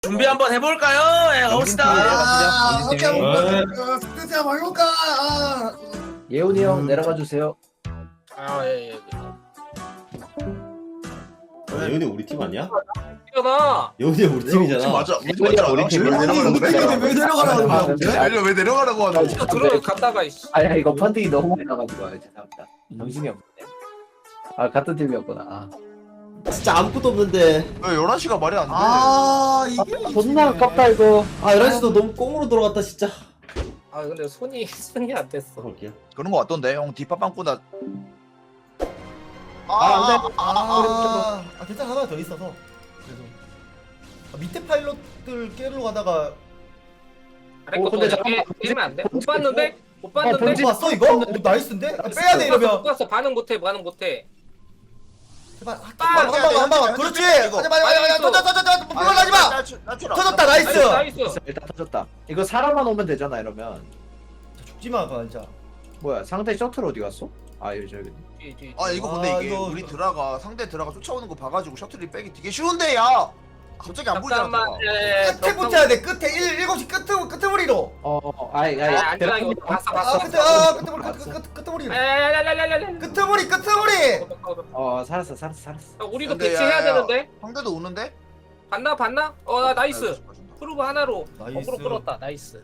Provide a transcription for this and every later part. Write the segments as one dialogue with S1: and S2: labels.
S1: 준비 한번 해볼까요? 예, 가봅시다.
S2: 오케이 스크세 한번 해볼까?
S3: 예훈이 형 내려가 주세요.
S1: 아, 예, 예.
S4: 예훈이 우리 팀 아니야?
S1: 이거다.
S4: 예훈이 우리 팀이잖아.
S5: 맞아. 우리
S3: 우리
S5: 맞아.
S3: 우리 팀.
S5: 왜 내려가라고
S2: 근데
S5: 그래?
S2: 왜 내려가라는 거야?
S5: 왜 내려가라고 하는
S1: 이거 들어갔다가 이씨.
S3: 아야 이거 펀딩이 너무 많이 나가지고 죄송합니다. 정신이 없네. 아 같은 팀이었구나. 아.
S4: 진짜 아무것도 없는데.
S5: 왜 11시가 말이 안 돼?
S2: 이게
S3: 존나 아깝다 이거.
S4: 아 11시도 너무 꽁으로 들어갔다 진짜.
S1: 아, 근데 손이 안 됐어.
S4: 볼게요.
S5: 그런 거 같던데. 형 뒷밥빵꾸나.
S2: 괜찮아 하나 더 있어서 그래도 밑에 파일럿들 깨러 가다가
S1: 아래
S3: 어,
S1: 거
S3: 근데
S1: 그냥
S3: 잠깐만.
S1: 깨면 안 돼? 못 봤는데? 못
S3: 본진
S1: 봤는데?
S2: 봤어 이거? 나이스인데? 빼야 돼 이러면
S1: 못 봤어. 반응 못해.
S2: 제발 한방 그렇지
S5: 이거.
S2: 하지마 터져 물러나지마 터졌다 나이스
S1: 나이스.
S3: 일단 터졌다. 이거 사람만 오면 되잖아 이러면.
S2: 죽지마 그거 진짜
S3: 뭐야 상대 셔틀 어디 갔어? 아 여기 저기.
S1: 뒤.
S5: 아 이거 근데 이게
S2: 이거-
S5: 우리 드라가 상대 드라가 쫓아오는 거 봐가지고 셔틀이 빼기 되게 쉬운데 야. 갑자기 안 보이잖아.
S1: 잠깐만.
S5: 드라가.
S1: 예,
S2: 끝에 붙여야 돼 끝에 7시 끝머리로
S3: 아이
S1: 안전하게 봤어.
S2: 끝머리로
S1: 야야야야야야야.
S2: 끝머리
S3: 살았어.
S1: 우리도
S5: 근데
S1: 배치해야
S5: 야,
S1: 되는데.
S5: 상대도 오는데?
S1: 봤나? 나 나이스. 프로브 하나로
S2: 나이스.
S1: 거꾸로 끌었다. 나이스.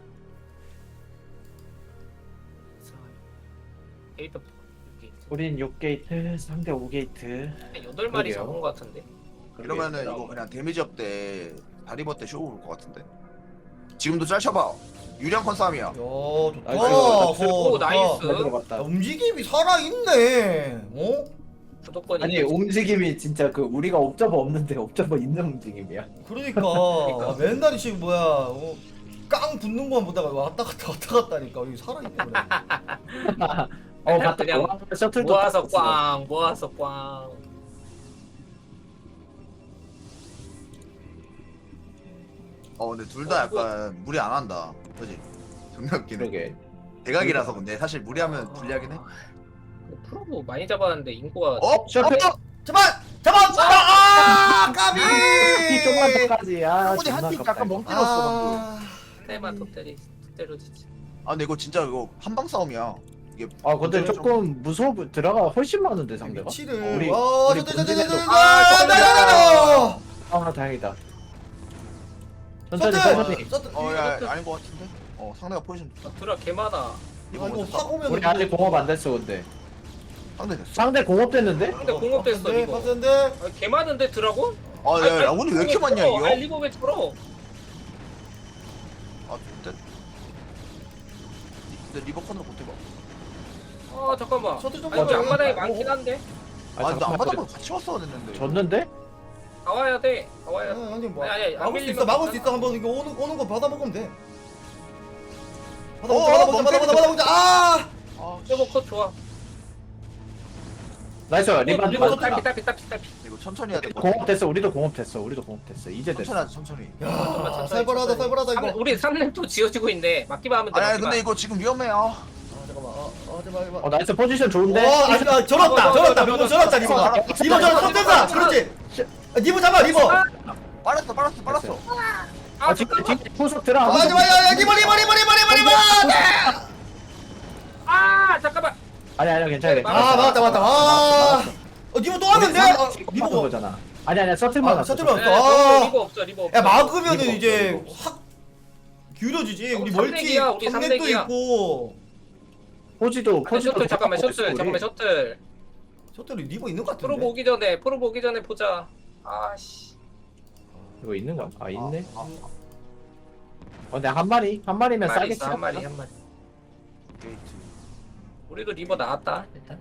S1: 게이트
S3: 우린 6게이트 상대 5게이트.
S1: 8마리
S3: 그러게요.
S1: 잡은 것 같은데.
S5: 이러면은 이거 그냥 데미지 업 때 다리버 때 쇼 올 것 같은데. 지금도 짤쳐봐. 유령 컨싸움이야.
S2: 야 좋다
S3: 나이스.
S1: 오, 나이스.
S3: 잘 들어갔다.
S2: 움직임이 살아있네 어?
S1: 주도권이
S3: 아니
S1: 있지.
S3: 움직임이 진짜 그 우리가 옵저버 없는데 옵저버 있는 움직임이야.
S2: 그러니까 맨날 이 지금 뭐야 깡 붙는 거만 보다가 왔다 갔다니까 이게 살아있네 그래.
S3: 갔다
S1: 그냥
S3: 셔틀도
S1: 모아서
S3: 탔어.
S1: 꽝 모아서 꽝.
S5: 근데 둘 다 약간 무리 안 한다. 그지? 존나 웃기네.
S3: 그러게.
S5: 대각이라서 근데 사실 무리하면 불리하긴 해.
S1: 프로브 많이 잡았는데 인구가
S3: 셔틀.
S2: 잡아 까비
S3: 이 좀만 더까지.
S5: 형이
S3: 존나
S5: 한팀
S3: 아깝다,
S5: 약간
S3: 이거.
S5: 멍 때렸어 방금.
S1: 한 대만 더 때려주지.
S5: 근데 이거 진짜 이거 한방 싸움이야. 이게
S3: 근데 조금 무서워 들어가 훨씬 많은데 상대가.
S2: 위치를
S3: 우리
S2: 우리
S3: 본진에도 다행이다. 천천히.
S5: 야 아닌 것 같은데? 상대가 포지션 좋다.
S1: 드라 개 많아.
S2: 이거 확 오면
S3: 우리 아직 공업 안 됐어 근데.
S5: 상대 됐어.
S3: 상대 공업 됐는데?
S1: 근데 공업됐어 이거.
S2: 빡센데
S1: 개 많은데 드라고?
S5: 야 라운이 왜 이렇게 많냐 이거?
S1: 리버 왜 들어?
S5: 진짜. 근데 리버컨으로 못해봐.
S1: 잠깐만.
S2: 셔틀 좀
S1: 아니
S2: 봐줘.
S1: 앞마당이 많긴 한데.
S5: 근데 안
S3: 잠깐만,
S5: 받아보면 같이 왔어야 됐는데.
S3: 졌는데?
S1: 다 와야 돼. 다 와야 돼.
S2: 아니 뭐
S1: 아니,
S2: 막을 수
S1: 밀리면
S2: 있어 막을 수
S1: 괜찮아.
S2: 있어 한번 이거 오는 거 받아 먹으면 돼
S5: 멍
S2: 받아
S1: 저거 컷 좋아.
S3: 나이스 리반.
S1: 리버 딸피.
S5: 이거 천천히 해야 돼.
S3: 공업 됐어. 우리도 공업 됐어. 이제 됐어.
S5: 천천히 하자 천천히.
S2: 야 살벌하다 이거
S1: 3렙 또 지어지고 있는데 막기만 하면 돼.
S5: 아니
S1: 막기만.
S5: 근데 이거 지금 위험해.
S2: 잠깐만 제발
S3: 나이스 포지션 좋은데?
S2: 저렇다 병원 저렇다 리버 저렇다 쏜다 그렇지 리버 잡아 리버
S5: 빨았어.
S3: 지금 후속 들어.
S2: 야 리버
S1: 잠깐만.
S3: 아니 괜찮아.
S2: 맞다 리버 또 하면 돼
S3: 리버
S2: 리버
S3: 거잖아. 아니 셔틀만 왔어.
S2: 셔틀만
S1: 리버 없어.
S2: 야 막으면은
S3: 리버
S2: 이제
S3: 없어,
S2: 확 기울어지지 우리
S1: 삼색이야,
S2: 멀티
S1: 우리
S2: 삼색도
S1: 삼색이야.
S2: 있고
S3: 포지도
S1: 셔틀 잠깐만 셔틀.
S2: 셔틀이 리버 있는 것
S1: 프로
S2: 같은데
S1: 보기 전에 보자. 아씨.
S3: 이거 있는 거야? 있네. 근데 한 마리면 싸겠지.
S1: 한 마리.
S5: 게이트.
S1: 우리도 리버 나왔다 일단.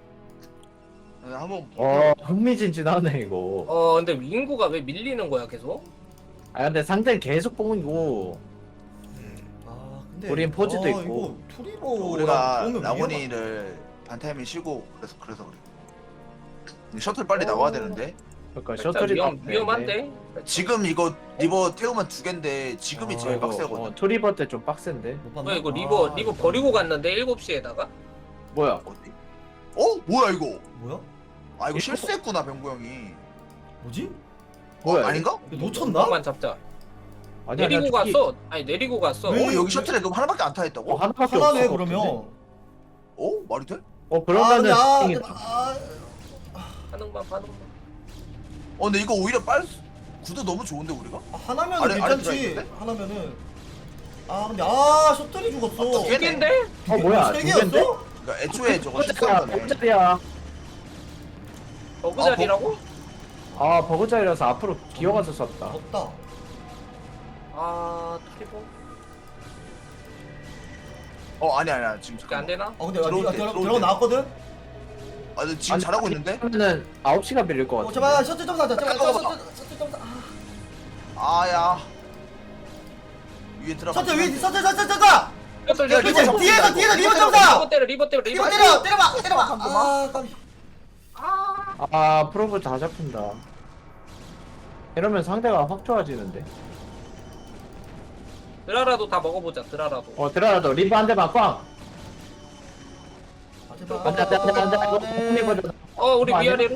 S5: 한번.
S3: 흥미진진하네 이거.
S1: 근데 인구가 왜 밀리는 거야 계속?
S3: 근데 상대는 계속 뽕이고.
S2: 근데
S3: 우린 포즈도 있고.
S2: 이거 투리버
S5: 우리가 라고니를 반타이밍 쉬고 그래서 그래. 근데 셔틀 빨리 나와야 되는데.
S3: 그러니까
S1: 일단
S3: 셔틀이
S1: 위험한데.
S5: 지금 이거 리버 태우면 2개인데 지금이 제일 빡세거든.
S3: 투리버 때 좀 빡센데.
S1: 뭐야 이거 리버 버리고 갔는데 7시에다가?
S3: 뭐야?
S5: 어디? 뭐야 이거?
S2: 뭐야?
S5: 이거 실수했구나 병구 형이.
S2: 뭐지?
S3: 뭐야,
S5: 아닌가?
S2: 이거 놓쳤나?
S1: 만 잡자.
S6: 아니야,
S1: 내리고
S6: 저기-
S1: 갔어. 아니 내리고 갔어.
S2: 왜?
S5: 여기 셔틀에 너 하나밖에 안 타있다고?
S6: 하나밖에
S2: 하나네
S6: 없어.
S2: 그러면.
S5: 말이 돼?
S6: 그러면은 땡이-
S1: 반응만.
S5: 근데 이거 오히려 구도 너무 좋은데 우리가?
S2: 하나면은
S5: 아래
S2: 괜찮지.
S5: 들어있는데?
S2: 하나면은. 근데 셔틀이 죽었어.
S5: 두 개네.
S1: 개인데?
S6: 뭐야?
S2: 세
S6: 두 개인데?
S2: 개였어?
S5: 그러니까 애초에 저거
S6: 버그자리야,
S5: 실수한 거네.
S6: 버그자리야.
S1: 버그 자리라고?
S6: 버그자리라서 앞으로 기어가서 썼다.
S2: 졌다.
S1: 트리버?
S5: 아니야 지금
S1: 이게 안
S5: 잠깐만.
S1: 되나?
S2: 근데
S5: 들어올 때,
S2: 들어가
S5: 들어올 때.
S2: 나왔거든.
S5: 근데 지금 잘하고 있는데?
S6: 그러면은 9시간 밀릴 것 같아.
S2: 제발 셔틀 좀 사자. 제발
S5: 잠깐만.
S2: 셔틀 좀 사.
S5: 아야 위에 들어가.
S2: 셔틀 위 셔틀.
S1: 셔틀
S5: 야,
S2: 그렇지.
S5: 리버
S2: 뒤에서
S5: 잡고
S2: 리버
S5: 있다고.
S2: 좀 사.
S1: 리버 때려.
S2: 리버 때려봐.
S5: 잠깐만.
S2: 까비.
S6: 프로브 다 잡힌다. 이러면 상대가 확 좋아지는데.
S1: 드라라도 다 먹어보자. 드라라도.
S6: 드라라도 리브 한 대만 꽝.
S2: 제발.
S1: 우리
S6: 아니야?
S1: 위아래로?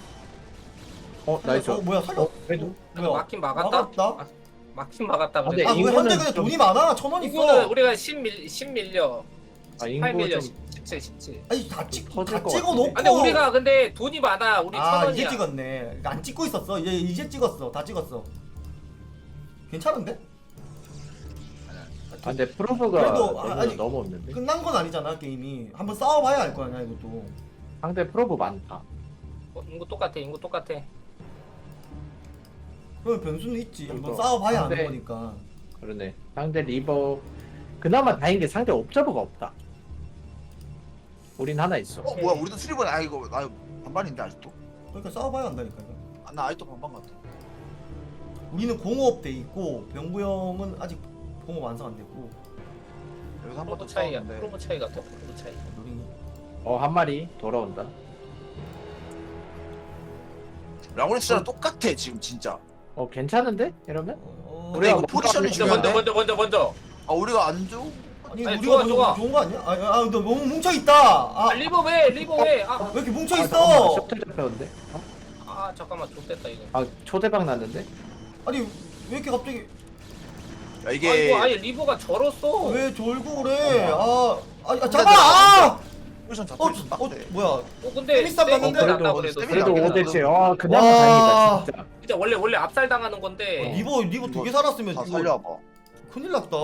S6: 나이스.
S2: 뭐야 살려?
S6: 그래도.
S1: 막힌 막았다.
S2: 막았다.
S1: 막힌 막았다.
S6: 아, 근데
S1: 그래.
S2: 왜
S6: 이거는
S2: 한대 근데
S6: 좀-
S2: 돈이 많아? 1,000원
S1: 이거는
S2: 있어.
S1: 우리가 10 밀려. 8
S6: 인구
S1: 밀려.
S6: 좀
S1: 17.
S2: 아니 다 찍고
S6: 터질
S2: 다
S6: 것
S2: 찍어 놓고.
S6: 같은데.
S1: 근데 우리가 근데 돈이 많아. 우리 1,000원이야.
S2: 이제 찍었네. 안 찍고 있었어. 이제 찍었어. 다 찍었어. 괜찮은데?
S6: 근데 프로브가
S2: 그래도,
S6: 너무,
S2: 아니,
S6: 너무 없는데.
S2: 끝난 건 아니잖아 게임이. 한번 싸워봐야 알 거 아니야 이것도.
S6: 상대 프로브 많다.
S1: 인구 똑같아.
S2: 그럼 변수는 있지. 한번
S6: 이거
S2: 싸워봐야 아는
S6: 상대-
S2: 거니까.
S6: 그러네. 상대 리버 그나마 다행인 게 상대 옵저버가 없다. 우린 하나 있어.
S5: 뭐야 우리도 수리번 이거 나 반반인데 아직도?
S2: 그러니까 싸워봐야 한다니까. 이거.
S5: 나 아직도 반반 같아.
S2: 우리는 공업 돼 있고 병구 형은 아직 공업 완성 안 됐고.
S5: 여기서 한 번 더
S1: 프로브 차이야.
S5: 싸웠는데.
S1: 프로브 차이 같아. 프로브 차이.
S2: 우리
S6: 한 마리 돌아온다.
S5: 라고리스랑 똑같아 지금 진짜.
S6: 괜찮은데? 이러면?
S5: 근데 이거
S6: 뭐-
S5: 포지션이
S1: 먼저
S5: 중요한데?
S1: 먼저.
S5: 우리가 안 줘?
S2: 아니
S1: 아니,
S2: 우리가
S1: 좋아.
S2: 좋은 거 아니야? 너 너무 뭉쳐 있다.
S1: 리버 왜?
S2: 왜 이렇게 뭉쳐
S6: 잠깐만,
S2: 있어?
S6: 셔틀 잡혔는데?
S1: 잠깐만. 좋됐다 이거.
S6: 초대박 났는데?
S2: 아니 왜 이렇게 갑자기
S5: 야 이게
S1: 이거 아니 리버가 절었어.
S2: 왜 졸고 그래? 잡아!
S5: 포지션 잡고 좀 빡대.
S2: 뭐야?
S1: 근데
S2: 세미쌈 봤는데?
S1: 났다
S5: 그래도-
S1: 그래도.
S6: 그래도
S5: 그래도
S6: 5대치. 그나마
S2: 와.
S6: 다행이다 진짜.
S1: 진짜 원래 압살 당하는 건데.
S2: 리버 두 개 살았으면
S5: 다
S2: 이거
S5: 살려봐.
S2: 큰일 났다.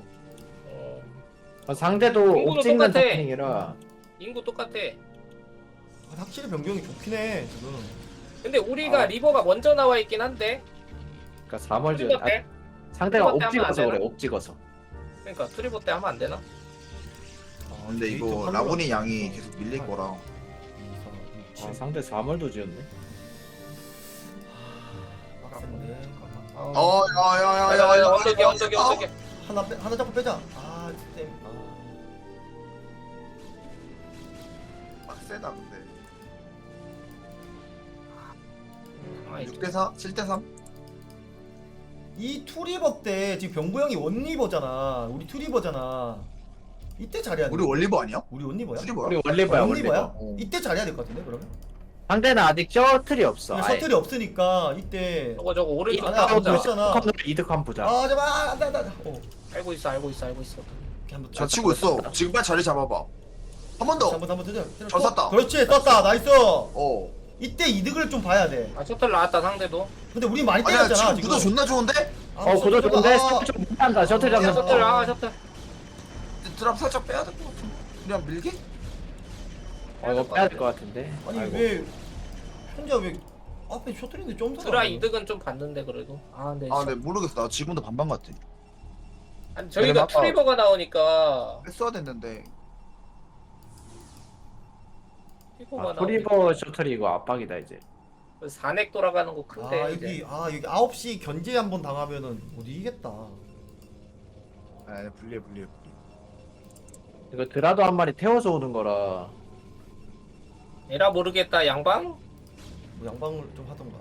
S6: 상대도
S1: 인구도
S6: 옵 찍는
S1: 똑같아.
S6: 타이밍이라.
S1: 인구 똑같아.
S2: 확실히 변경이 좋긴 해 지금.
S1: 근데 우리가 리버가 먼저 나와 있긴 한데.
S6: 그러니까 3월 전
S1: 트리버 때?
S6: 상대가
S1: 트리버 때
S6: 옵
S1: 하면 안
S6: 찍어서 그래.
S1: 되나?
S6: 옵 찍어서.
S1: 그러니까 트리버 때 하면 안 되나?
S5: 근데 이거 라군이 양이 계속 밀릴 거라.
S6: 상대 3월도 지었네.
S2: 빡센데.
S5: 야야야야야.
S1: 언덕에.
S2: 하나 잡고 빼자. 쌤.
S5: 빡세다 근데.
S1: 아,
S5: 6대4? 7대3?
S2: 이 투리버 때 지금 병구 형이 원리버잖아. 우리 투리버잖아. 이때 잘해야 돼.
S5: 우리 원리버 아니야?
S2: 우리 원리버야?
S5: 수리버야?
S6: 우리 원리버야
S2: 원리버야?
S6: 원리버.
S2: 이때 잘해야 될 것 같은데 그러면?
S6: 상대는 아직 셔틀이 없어. 아예.
S2: 셔틀이 없으니까 이때.
S1: 저거 오른쪽
S2: 아니야,
S1: 다 보자.
S2: 없잖아.
S6: 이득 한번 보자.
S2: 제발 안돼.
S1: 알고 있어.
S2: 한번
S5: 잘 치고 있어. 지금 빨리 자리 잡아봐. 한 번 더.
S2: 한번 뜨자.
S5: 잘 쐈다.
S2: 그렇지 썼다. 나이스.
S5: 어.
S2: 이때 이득을 좀 봐야 돼.
S1: 셔틀 나왔다 상대도.
S2: 근데 우리 많이
S5: 아니야
S2: 때렸잖아
S5: 지금 구도 존나 좋은데?
S6: 고도 좋은데 셔틀 좀 못한다. 셔틀 잡는
S1: 셔틀
S6: 거.
S1: 셔틀.
S5: 드랍 살짝 빼야 될 것 같은데. 그냥 밀게?
S6: 이거 빼야 될 것 같은데.
S2: 아니
S6: 아이고.
S2: 왜 혼자 왜 앞에 셔틀인데 좀
S1: 드라 이득은 좀 봤는데 그래도. 근데
S5: 근데 모르겠어. 나 지금도 반반 같아.
S1: 아니, 저희가
S5: 아까-
S1: 트리버가 나오니까
S5: 뺐어야 됐는데.
S1: 트리버가
S6: 프리버 셔틀이 이거 압박이다 이제.
S1: 4넥 돌아가는 거 큰데
S2: 여기
S1: 이제.
S2: 여기 9시 견제 한번 당하면은 못 이기겠다.
S5: 분리해.
S6: 이거 드라도 한 마리 태워서 오는 거라.
S1: 에라 모르겠다 양방?
S2: 뭐 양방을 좀 하던가.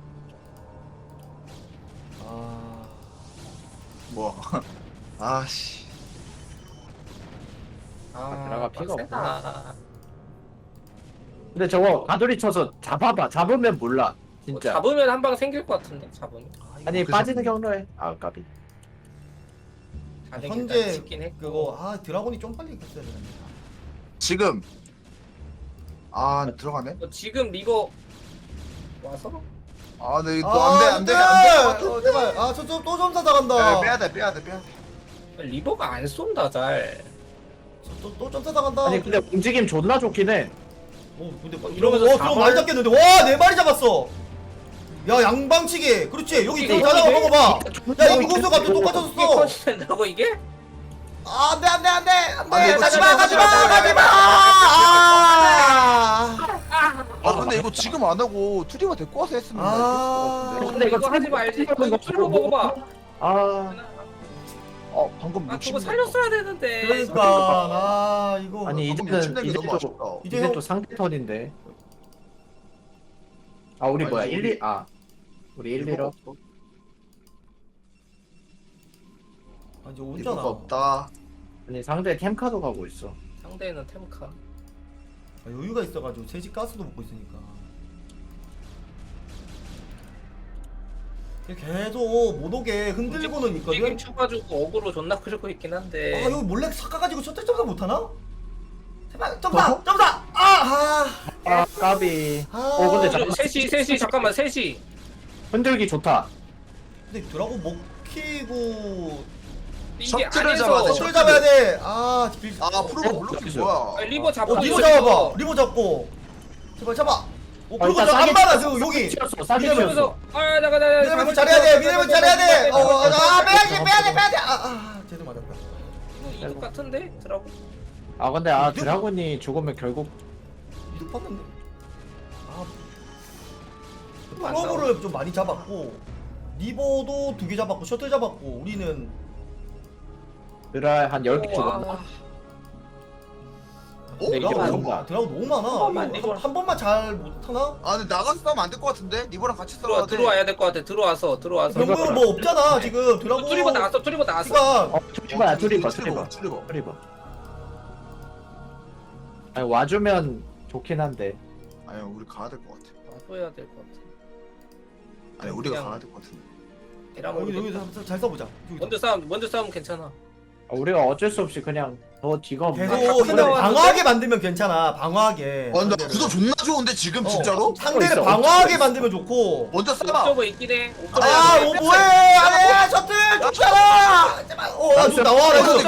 S5: 뭐야? 아씨.
S6: 드라가 피가
S1: 빡세다.
S6: 근데 저거 가돌이 쳐서 잡아봐. 잡으면 몰라. 진짜.
S1: 잡으면 한 방 생길 것 같은데 잡으면.
S6: 아니
S5: 그래서-
S6: 빠지는 경로에. 까비.
S2: 현재
S1: 찍긴 했고.
S2: 그거 드라곤이 좀 빨리 갔어야 되는데.
S5: 지금 들어가네.
S1: 지금 리버 와서
S5: 네 이거 안돼
S2: 제발. 또 점사 당한다.
S5: 빼야 돼.
S1: 리버가 안 쏜다 잘.
S2: 또 점사 당한다.
S6: 아니 근데 움직임 존나 좋긴 해.
S2: 근데
S1: 이러면서
S2: 좀
S1: 사발-
S2: 많이 잡겠는데. 와, 4마리 잡았어. 야, 양방치기. 그렇지. 여기
S1: 이거
S2: 다 잡아
S1: 이게
S2: 먹어봐. 야, 인구수 갑자기
S1: 이게
S2: 똑같아졌어.
S1: 커진다고 이게?
S2: 안돼.
S5: 이거
S2: 가지마.
S5: 지금
S2: 아.
S5: 근데 이거 지금 안 하고 투리가 데리고 와서 했으면
S1: 근데 이거 하지 말지. 이거 뚫어 먹어봐.
S5: 방금
S1: 저거 살렸어야 되는데.
S2: 그러니까 이거
S6: 아니
S5: 이제
S6: 이제
S5: 너무 아쉽다.
S6: 이제 또 상대 턴인데. 우리 뭐야 1, 2 우리 1, 2로
S2: 이제
S5: 이거가
S2: 오잖아.
S5: 없다.
S6: 아니 상대 템카도 가고 있어.
S1: 상대는 템카.
S2: 여유가 있어가지고 채식 가스도 먹고 있으니까. 계속 못 오게 흔들고는 있거든.
S1: 지금 쳐가지고 어그로 존나 끌고 있긴 한데.
S2: 여기 몰래 삭가가지고 셔틀 점사 못하나? 제발 점사!
S6: 까비. 근데 잠깐만.
S1: 셋이 잠깐만 셋이.
S6: 흔들기 좋다.
S2: 근데 드라곤 먹히고
S1: 이게
S5: 셔틀을 잡아야 돼,
S1: 안에서
S2: 셔틀 잡아야 돼.
S5: 프로가 블록이 뭐야?
S1: 리버 잡아.
S2: 리버 잡아봐. 리버 잡고 제발 잡아. 그리고
S6: 일단
S2: 저안
S6: 싸게
S2: 받아. 저기
S6: 튀었어. 싸게
S2: 미네랄
S6: 튀었어.
S2: 미네랄 잘해야 돼. 미네랄 잘해야 돼. 빼야 돼. 제대로 맞았다.
S1: 이거 같은데 드라고.
S6: 근데 드라곤이 죽으면 결국
S2: 이득 봤는데. 프로브를 좀 많이 잡았고 리버도 2개 잡았고 셔틀 잡았고 우리는
S6: 드라 한 10개 죽었나? 근데 이게
S2: 드라곤
S6: 뭔가
S2: 너무 많아.
S1: 번만,
S2: 이거
S1: 리버.
S2: 한 번만 잘 못하나?
S5: 근데 나가서 싸우면 안 될 것 같은데? 리버랑 같이 싸워야 돼.
S1: 들어와야 될 것 같아. 들어와서.
S2: 병구는 뭐 없잖아 지금 드라곤.
S1: 투리버 나왔어.
S2: 그러니까
S6: 투리버. 아니 와주면 좋긴 한데.
S5: 아니 우리 가야 될 것 같아.
S1: 와줘야 될 것 같아.
S5: 아니 우리가
S1: 그냥-
S5: 가야 될 것 같은데.
S2: 여기 잘 써보자.
S1: 먼저 싸우면 괜찮아.
S6: 우리가 어쩔 수 없이 그냥 더 뒤가 없나?
S2: 계속 근데 방어하게 만들면 괜찮아. 방어하게.
S5: 나 구도 존나 좋은데 지금 진짜로?
S2: 상대를
S6: 있어,
S2: 방어하게 만들면 좋고.
S5: 먼저 싸봐.
S1: 옥저버 있긴 해.
S2: 뭐해? 아니 셔틀 좋잖아. 제발. 좀 나와. 셔틀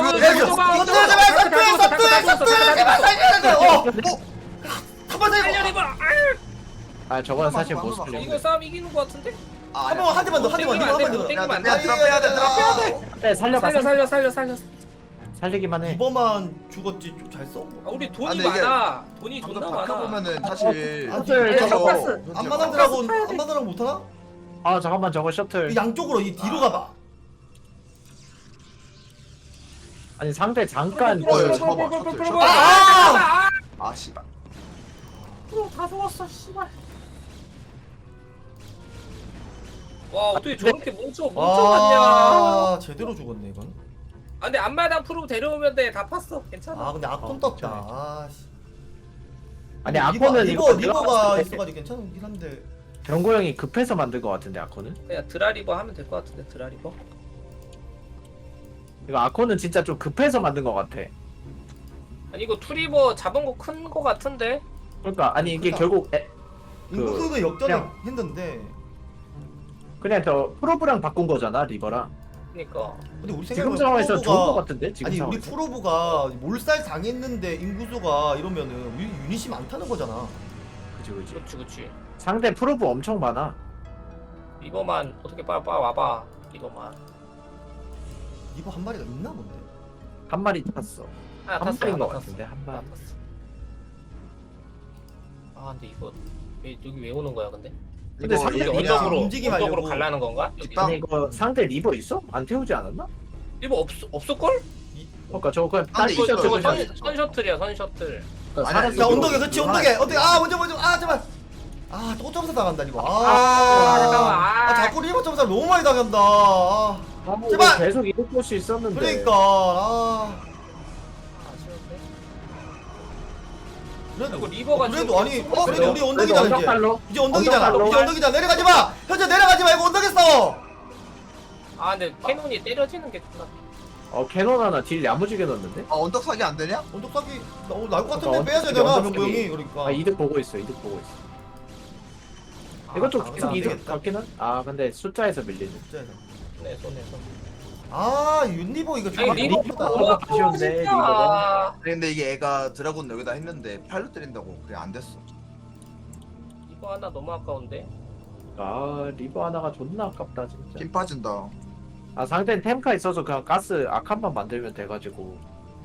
S2: 제발. 한번
S1: 살려
S2: 더.
S1: 리버.
S6: 저거는 사실 못
S5: 잠깐만,
S6: 살려.
S1: 이거 싸움 이기는 것 같은데?
S2: 한 대만 더.
S1: 땡기면 안 돼.
S5: 빼야 돼.
S6: 네, 살려봐.
S1: 살려.
S6: 살리기만 해.
S2: 이번만 죽었지. 좀 잘 써.
S1: 우리 돈이
S5: 근데 이게
S1: 많아. 돈이
S5: 방금
S1: 존나 많아.
S5: 바꿔보면은 사실
S6: 셔틀
S5: 그래서
S2: 안마당 드라곤 못하나?
S6: 잠깐만 저거 셔틀.
S2: 양쪽으로 이 뒤로 가봐.
S6: 아니 상대 잠깐
S5: 씨발.
S1: 다 죽었어 씨발. 와 어떻게 저렇게 뭉쳐갔냐.
S2: 제대로 죽었네 이건.
S1: 근데 앞마당 프로 데려오면 돼. 다 팠어. 괜찮아.
S2: 근데 악돈 떴다.
S6: 아니 아코는
S2: 리버가 있어가지고 괜찮긴 한데.
S6: 병고 형이 급해서 만든 것 같은데 아코는?
S1: 그냥 드라리버 하면 될 것 같은데 드라리버.
S6: 이거 아코는 진짜 좀 급해서 만든 것 같아.
S1: 아니 이거 투리버 잡은 거 큰 거 같은데.
S6: 그러니까 아니 이게
S2: 크다.
S6: 결국
S2: 인구수도 역전을
S6: 그냥-
S2: 했는데.
S6: 그냥 저 프로브랑 바꾼 거잖아 리버랑.
S1: 그러니까.
S2: 근데 우리
S6: 지금
S2: 생각에
S6: 상황에서 좋은 것 같은데 지금
S2: 아니 우리
S6: 상황에서.
S2: 프로브가 몰살 당했는데 인구수가 이러면은 우리 유닛이 많다는 거잖아.
S6: 그치.
S1: 그치.
S6: 상대 프로브 엄청 많아.
S1: 이거만 어떻게 빨리 와봐. 이거만.
S2: 리버 한 마리가 있나 본데.
S6: 한 마리 탔어.
S1: 하나
S6: 한
S1: 탔어.
S6: 마리인 것
S1: 하나
S6: 같은데 한 마리.
S1: 탔어. 근데 이거 여기 왜 오는 거야 근데?
S6: 근데 상대
S1: 이게
S6: 리버
S2: 움직임하려고.
S1: 언덕으로 갈라는 건가? 여기?
S6: 아니 이거 상대 리버 있어? 안 태우지 않았나?
S1: 리버 없을걸?
S6: 그러니까 저거 그냥
S5: 아, 근데
S6: 딸기
S5: 있어요.
S6: 셔틀
S1: 저거
S6: 그냥.
S1: 선 셔틀이야 선 셔틀.
S6: 그러니까
S5: 아니,
S2: 자
S5: 이거
S2: 언덕에 그렇지
S5: 이거
S2: 언덕에
S5: 하나
S2: 언덕에 먼저 제발. 또 점사 당한다 이거.
S1: 잠깐만.
S2: 자꾸 리버 점사 너무 많이 당한다.
S6: 제발.
S2: 제발!
S6: 계속 이럴 곳이 있었는데.
S2: 그러니까
S1: 그리고 리버가
S2: 그래도 아니
S1: 지금
S2: 그래도 우리 언덕이잖아 이제.
S6: 언덕발로.
S2: 이제 언덕이잖아.
S6: 언덕발로.
S2: 이제 언덕이잖아. 내려가지 마. 현재 내려가지 말고 언덕에 싸워.
S1: 근데 캐논이 때려지는 게 존나.
S6: 캐논 하나 딜 야무지게 넣었는데?
S5: 아 언덕 사기 안 되냐?
S2: 언덕 사기 나올 것 같은데
S6: 그러니까
S2: 빼야
S6: 언덕
S2: 되잖아
S6: 사기,
S2: 병구 형이 그러니까.
S6: 아 이득 보고 있어 이득 보고 있어. 이것도 계속
S2: 안
S6: 이득
S2: 되겠다.
S6: 같긴 한? 아 근데 숫자에서 밀리네.
S2: 진짜에서.
S1: 손에 손에 손.
S2: 아 윤리보 이거
S1: 아니
S2: 정말
S1: 리버
S2: 예쁘다.
S1: 너무 아까워
S6: 아쉬운데,
S1: 진짜.
S6: 리버가.
S5: 아니, 근데 이게 애가 드라군 여기다 했는데 팔로 때린다고 그게 안 됐어.
S1: 이거 하나 너무 아까운데.
S6: 아 리버 하나가 존나 아깝다 진짜.
S5: 힘 빠진다.
S6: 아 상대는 템카 있어서 그냥 가스 아칸만 만들면 돼가지고.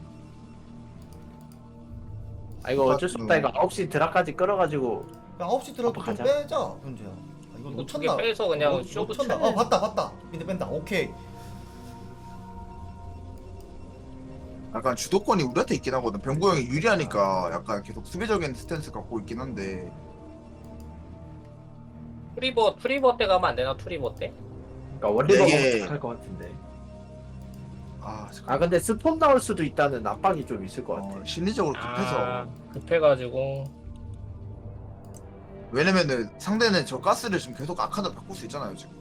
S6: 아 이거 어쩔 수 없다. 이거 9시 드라까지 끌어가지고.
S2: 야 9시 들어도 좀
S6: 가자.
S2: 빼자 현재야. 아, 이거
S1: 이거
S2: 못
S1: 두개
S2: 쳤나?
S1: 빼서 그냥
S2: 못
S1: 쇼부
S2: 쳤나?
S1: 쳐야
S2: 봤다. 근데 뺀다. 오케이.
S5: 약간 주도권이 우리한테 있긴 하거든. 병구 형이 유리하니까 약간 계속 수비적인 스탠스 갖고 있긴 한데.
S1: 트리버 때 가면 안 되나 투리버 때?
S6: 그러니까 원리버가
S5: 이게-
S6: 할것 같은데.
S5: 아,
S6: 아 근데 스폰 나올 수도 있다는 압박이 좀 있을 것 같아.
S5: 심리적으로 급해서.
S1: 아, 급해가지고.
S5: 왜냐면은 상대는 저 가스를 지금 계속 아칸으로 바꿀 수 있잖아요 지금.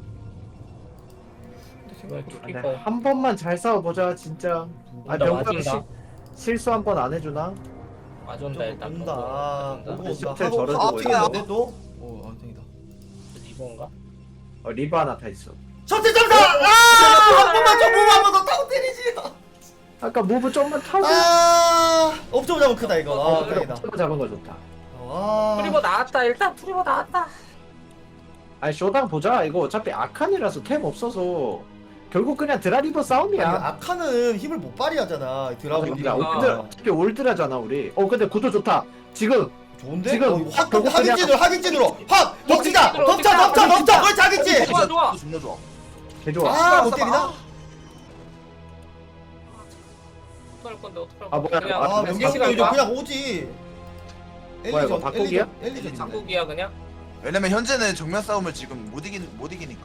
S1: 이거
S6: 근데
S1: 투리버.
S6: 한 번만 잘 싸워보자 진짜. 아
S1: 온다,
S6: 병구
S1: 맞은다.
S6: 실수 한 번 안 해주나?
S1: 맞은다 일단.
S2: 온다.
S1: 맞은다.
S2: 오고 온다.
S6: 셔틀
S2: 하고
S6: 저러고
S2: 하고
S5: 있네.
S2: 튀겼는데 또? 땡이다.
S1: 리버인가?
S6: 리버 하나 다 있어.
S2: 셔틀 점사! 한 번만 좀 보고 한번 더 타고 때리지.
S6: 아까 무브 좀만 타고.
S2: 업점 잡으면 크다 이거.
S6: 그래
S2: 땡이다.
S6: 옵저버 잡은 거 좋다.
S1: 투리버 나왔다. 일단 투리버 나왔다.
S6: 아니 쇼당 보자. 이거 어차피 아칸이라서 템 없어서 결국 그냥 드라리버
S2: 아니,
S6: 싸움이야.
S2: 아카는 힘을 못 발휘하잖아. 드라군이.
S6: 야, 어차피 올드라잖아 우리. 근데 구도 좋다. 지금
S2: 좋은데?
S6: 지금
S2: 확
S6: 결국 그냥-
S2: 하긴진으로 확 덮치자.
S1: 덮치기로,
S2: 덮쳐. 그렇지 하긴진.
S1: 좋아 좋아.
S5: 존나 좋아.
S6: 개 좋아.
S2: 아, 못 때리나?
S1: 어떡할 건데 어떡할
S6: 아,
S1: 건데.
S6: 뭐야.
S1: 그냥
S2: 아,
S6: 아,
S2: 명경
S1: 시간
S2: 이제
S1: 가?
S2: 그냥 오지.
S6: 뭐야, 이거 바꾸기야?
S2: 엘리전.
S1: 장국이야 그냥.
S5: 왜냐면 현재는 정면 싸움을 지금 못 이기니까.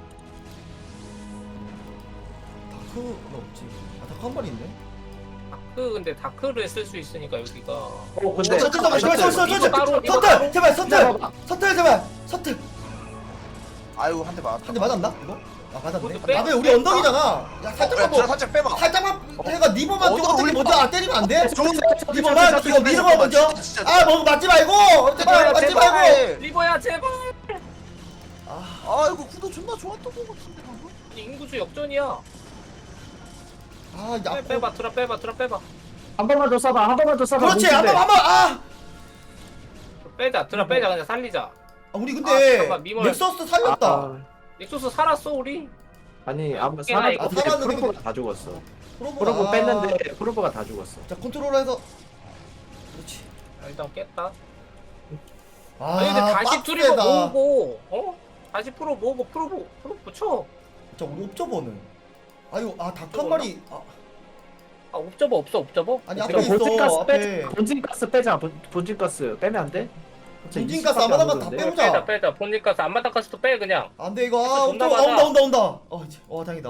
S2: 다크는 없지. 다크 한 마리 있네.
S1: 다크 근데 다크를 쓸 수 있으니까 여기가.
S6: 근데
S2: 잠깐만,
S1: 이거 따로, 이거
S2: 서틀 제발
S6: 기다려봐.
S2: 서틀 제발 서틀.
S5: 아유 한 대 맞았다.
S2: 한 대 맞았나? 이거? 아 맞았네.
S1: 그것도 빼?
S2: 나도 우리 언덕이잖아. 야
S5: 야,
S2: 살짝만 뭐
S5: 살짝 빼봐.
S2: 살짝만 해가 니버만 좀 어떻게 먼저 안 때리면 안 돼?
S5: 좋은데.
S2: 니버만 이거 미르가 먼저.
S5: 진짜.
S2: 아 뭐 맞지 말고 제발 맞지 말고.
S1: 리버야 제발.
S5: 아 이거 구도 존나 좋았던 것 같은데 방금.
S1: 아니, 인구수 역전이야.
S2: 아 야.
S1: 빼봐 빼봐.
S6: 한 번만 더 쏴봐. 한 번만 더 쏴봐.
S2: 그렇지
S6: 뭉친데.
S2: 한번 아.
S1: 빼자 빼자 그냥 살리자.
S2: 우리
S1: 아,
S2: 근데
S1: 잠깐만, 미모를-
S2: 넥서스 살렸다.
S6: 아,
S1: 넥소스 살았어 우리.
S6: 아니 아무
S1: 깨나,
S6: 사람
S1: 이거.
S6: 근데
S2: 살았는데
S6: 프로브가 다 죽었어.
S2: 프로브가-
S6: 프로브
S2: 아.
S6: 뺐는데 프로브가 다 죽었어.
S2: 자 컨트롤해서. 그렇지.
S1: 일단 깼다.
S2: 아
S1: 아니 근데 다시 투리버
S2: 빡세다.
S1: 모으고 다시 프로 모으고 프로 붙여.
S2: 자 우리 옵저버는. 아유 닭 한 마리.
S1: 아 옵저버 없어 옵저버?
S2: 아니,
S1: 옵저버.
S2: 앞에 있어.
S6: 본진가스
S2: 앞에.
S6: 빼. 본진가스 빼자. 본진가스 빼면 안 돼?
S2: 본진가스 아마다만 다 빼보자.
S1: 빼자 본니까스 안마다카스도 빼 그냥.
S2: 안돼 이거
S1: 존나
S2: 옵저버
S1: 많아.
S2: 온다. 다행이다.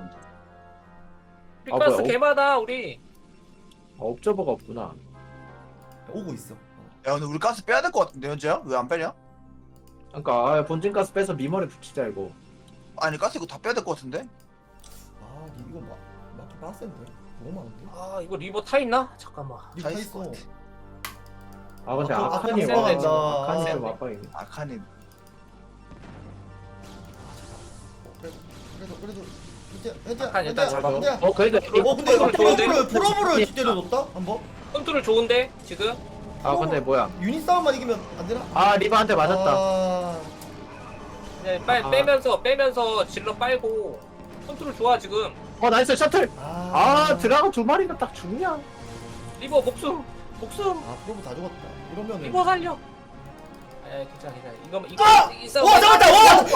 S1: 피카스
S6: 뭐야,
S1: 개마다 우리.
S6: 옵저버가 없구나.
S2: 오고 있어.
S5: 야 근데 우리 가스 빼야 될 것 같은데 현재야? 왜 안 빼냐?
S6: 그러니까 본진가스 빼서 미머리 붙이자 이거.
S5: 아니 가스 이거 다 빼야 될 것 같은데?
S2: 아 이거 맞기 빡센데. 너무 많은데.
S1: 아 이거 리버 타 있나? 잠깐만.
S2: 이거 다
S5: 다
S2: 있어.
S6: 아 근데
S2: 아,
S6: 아칸이
S1: 아칸
S6: 와.
S1: 센데,
S6: 아칸이 좀
S1: 센데.
S6: 압박이네.
S5: 아칸이
S2: 그래도 현재
S1: 아칸 일단 잡아.
S6: 그래도
S2: 근데 프로브를 때려줬다 한번.
S1: 컨트롤 좋은데 지금?
S6: 아 근데 뭐야?
S2: 유닛 싸움만 이기면 안 되나?
S6: 아 리바한테 맞았다.
S2: 아,
S1: 그냥
S6: 아.
S1: 빼면서 질러 빨고 컨트롤 좋아 지금.
S6: 나이스 셔틀. 드라곤 두 마리가 딱 죽냐?
S1: 리버 목숨
S2: 프로브 다 죽었다. 이러면은.
S1: 리버 살려. 괜찮아 이거 이 싸움.
S2: 와 잡았다. 와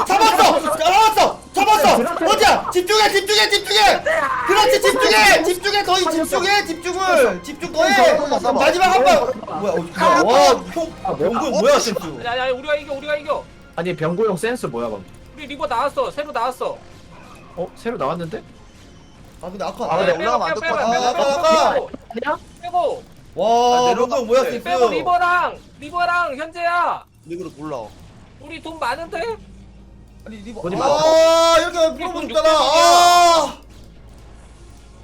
S2: 잡았어. 어디야? 집중해. 그렇지 집중해. 거의 집중 더해. 마지막 한 방. 뭐야? 와형 명분 뭐야 센스?
S1: 야 우리가 이겨.
S6: 아니 병고용 센스 뭐야 방금?
S1: 우리 리버 나왔어 새로 나왔어.
S6: 새로 나왔는데?
S2: 아 근데 아까
S5: 아, 근데 올라가면 안될것
S2: 같아.
S6: 아니야?
S1: 빼고
S2: 와
S5: 내려가.
S2: 명분 뭐야
S5: 네,
S2: 센스?
S1: 빼고 리버랑 현재야.
S5: 리그로 몰라.
S1: 우리 돈 많은데?
S2: 아니 리버.
S6: 어디
S2: 이렇게 프로브
S1: 돈
S2: 죽잖아.
S1: 600 이야.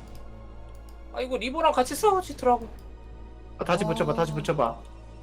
S1: 이거 리버랑 같이 싸워지더라고.
S6: 다시 붙여봐 다시 붙여봐.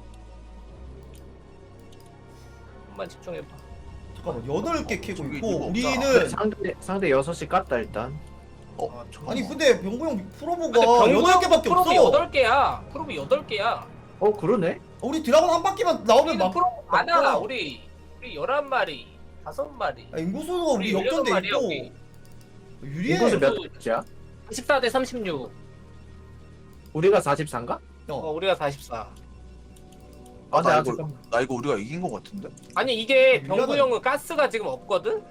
S1: 한번 집중해봐.
S2: 잠깐만 8개 캐고
S5: 저기
S2: 있고
S5: 이거
S2: 우리는
S6: 상대 6시 깠다 일단.
S2: 아니 근데 병구 형 프로보가
S1: 근데 병구
S2: 8개밖에
S1: 프로브
S2: 없어.
S1: 8개야. 프로브 8개야.
S6: 그러네.
S2: 우리 드라곤 한 바퀴만 나오면
S1: 우리는
S2: 막
S1: 프로브 많아.
S2: 많잖아.
S1: 우리 11마리, 5마리.
S2: 인구수도 우리
S1: 우리
S2: 역전돼
S1: 8마리야,
S2: 있고
S1: 우리.
S2: 유리해.
S6: 인구수 몇
S1: 인구수-
S6: 개야?
S1: 14대 36.
S6: 우리가 44인가?
S1: 우리가 44.
S5: 아, 나
S6: 아직
S5: 이거 우리가 이긴 거 같은데?
S1: 아니 이게
S2: 밀려나-
S1: 병구 형은 가스가 지금 없거든?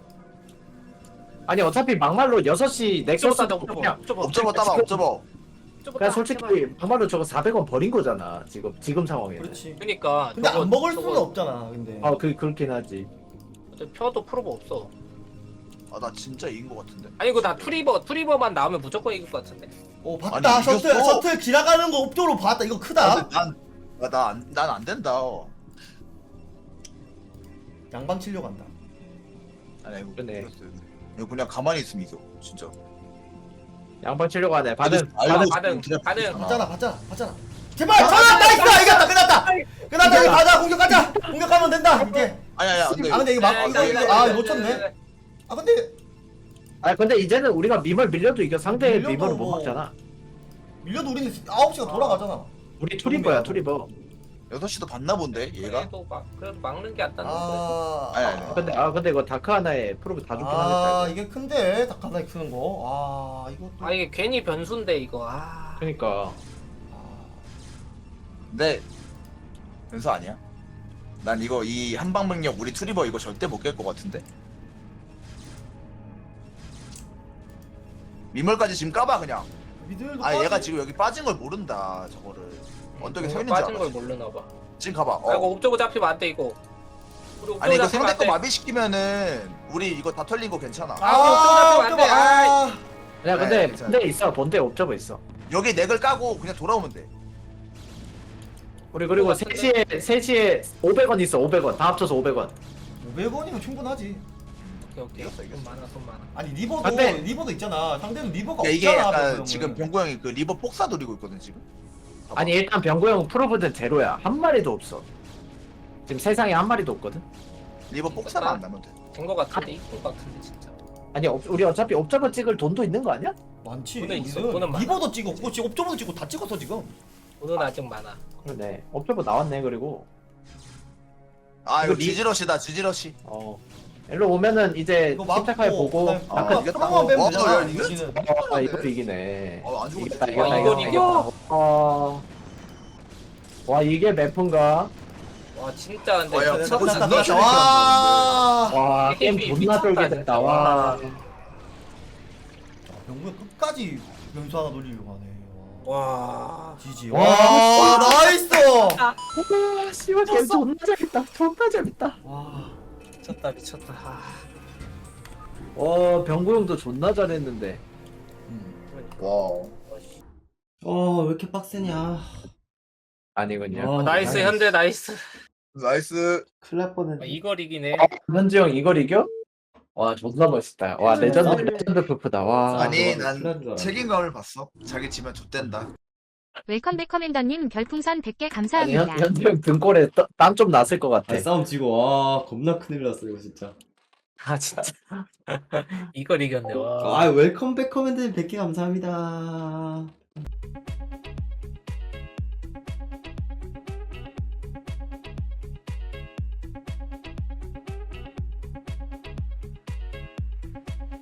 S6: 아니 어차피 막말로 6시 넥서스 그냥
S5: 옵저버 따봐, 옵저버.
S6: 그냥 솔직히 막말로 저거 400원 버린 거잖아 지금 상황에는.
S2: 그렇지.
S1: 그니까
S2: 근데
S1: 저거-
S2: 안 먹을
S1: 저거
S2: 수는 없잖아. 근데.
S6: 그렇긴 하지.
S1: 펴도 프로브 없어.
S5: 아, 나 진짜 이긴 거 같은데?
S1: 아니 이거 나 투리버만 나오면 무조건 이길 것 같은데.
S2: 봤다.
S5: 아니,
S2: 셔틀
S5: 이겼어.
S2: 셔틀 지나가는 거 옵조로 봤다. 이거
S5: 아,
S2: 크다.
S5: 근데 난 안 된다.
S2: 양방 치려고 한다.
S5: 아니, 이거
S6: 그러네.
S5: 이겼어요. 이거 그냥 가만히 있으면 이겨, 진짜.
S6: 양반 치려고 하네. 반응.
S5: 알고
S1: 반응,
S5: 그냥
S1: 반응.
S5: 부수잖아.
S2: 봤잖아. 제발 전화 나이스 이겼다. 끝났다. 이제 가자. 공격하면 된다. 이제.
S5: 아니야, 근데
S2: 아 근데 이거 막 이거 못
S1: 네,
S2: 쳤네. 아 근데
S6: 근데 이제는 우리가 밈을 밀려도 이겨. 상대의
S2: 밀려도
S6: 밈을 못
S2: 뭐.
S6: 막잖아.
S2: 밀려도 우리는 9시가 돌아가잖아.
S6: 우리 투리버야 투리버.
S5: 6시도 봤나 본데, 얘가?
S1: 그래도 막는 게 안 닿는
S5: 아니.
S6: 근데 이거 다크 하나에 프로브 다 죽긴
S2: 아
S6: 하겠다.
S2: 이게 큰데 닭가나이 크는 거. 이것도.
S1: 아 이게 괜히 변수인데 이거.
S6: 그러니까
S5: 근데 변수 아니야? 난 이거 이 한방병력 우리 트리버 이거 절대 못 깰 것 같은데? 미멀까지 지금 까봐 그냥.
S2: 미들도
S5: 아 얘가
S2: 빠지.
S5: 지금 여기 빠진 걸 모른다 저거를. 언덕에 서 있는 줄
S1: 빠진 걸
S5: 알아.
S1: 모르나 봐.
S5: 지금 가봐.
S1: 아 이거 옵저버 잡히면 안 돼 이거. 우리
S5: 아니 이거
S1: 옵저버 잡히면
S5: 상대
S1: 안
S5: 거
S1: 돼.
S5: 마비시키면은 우리 이거 다 털린 거 괜찮아.
S1: 옵저버 잡히면 안 돼.
S6: 그냥 근데
S5: 괜찮아.
S6: 근데 있어. 본대 옵저버 있어.
S5: 여기 넥을 까고 그냥 돌아오면 돼.
S6: 우리 그리고 3시에 500원 있어. 500원. 다 합쳐서 500원.
S2: 500원이면 충분하지.
S1: 오케이.
S5: 이겼어, 이겼어.
S1: 돈 많아 돈 많아.
S2: 아니 리버도
S6: 근데-
S2: 리버도 있잖아. 상대는 리버가
S5: 야, 이게
S2: 없잖아.
S5: 약간
S2: 병구 형은.
S5: 지금 병구 형이 그 리버 폭사 노리고 있거든 지금. 봐봐.
S6: 아니 일단 병구 형 프로브는 제로야. 한 마리도 없어. 지금 세상에 한 마리도 없거든.
S5: 리버 폭사만 안 나면 돼.
S1: 된거 같은데 이길 것 같은데 진짜.
S6: 아니 우리 어차피 옵저버 찍을 돈도 있는 거 아니야?
S2: 많지.
S1: 돈은 있어,
S2: 우리는
S1: 돈은 많아.
S2: 리버도 찍었고 지금 옵저버도 찍고 다 찍었어 지금.
S1: 돈은 아직 많아.
S6: 그러네. 옵저버 나왔네. 그리고
S5: 아 이거
S6: 이거 리-
S5: 지지러시다 지지러시.
S6: 일로 오면은 이제
S2: 이거 맞고
S6: 침착하게 보고
S2: 그다음에
S5: 아,
S2: 아까
S5: 이겼다.
S2: 프로만 빼면
S5: 와,
S2: 되잖아.
S5: 야,
S2: 이거는.
S6: 이것도 이기네.
S5: 안 죽었네.
S1: 와, 이걸 이겨?
S6: 와 이게 메프인가?
S1: 와 진짜 근데
S5: 와, 야,
S1: 진짜
S5: 그거
S2: 끝났다,
S5: 진짜
S2: 끝났다. 와.
S6: 와 게임
S1: 게임이
S6: 존나
S1: 미쳤다,
S6: 쫄게 됐다. 와.
S2: 병구가 끝까지 변수 하나 돌리려고 하네.
S1: 와.
S2: 지지.
S6: 와,
S2: 와 나이스.
S6: 와 씨발 게임 존나 재밌다. 존나 재밌다.
S2: 와.
S1: 미쳤다.
S6: 와 병구 형도 존나 잘했는데.
S5: 와.
S4: 왜 이렇게 빡세냐.
S6: 아니군요.
S4: 와,
S1: 나이스 현대 나이스.
S5: 나이스.
S4: 큰일 날 뻔했네.
S1: 이걸 이기네.
S6: 현지 형 이걸 이겨? 와 존나 멋있다. 와 레전드 푸프다. 와.
S5: 아니
S4: 큰일 난 줄
S5: 난
S4: 알았네.
S5: 책임감을 봤어. 자기 지면 좆된다.
S7: 웰컴백 커맨더님 별풍선 100개
S6: 아니
S7: 감사합니다.
S6: 현지 형 등골에 땀 좀 났을 것 같아.
S4: 싸움 지고 와 겁나 큰일 났어 이거 진짜.
S1: 아 진짜. 이걸 이겼네. 와.
S4: 웰컴백 커맨드 100개 감사합니다.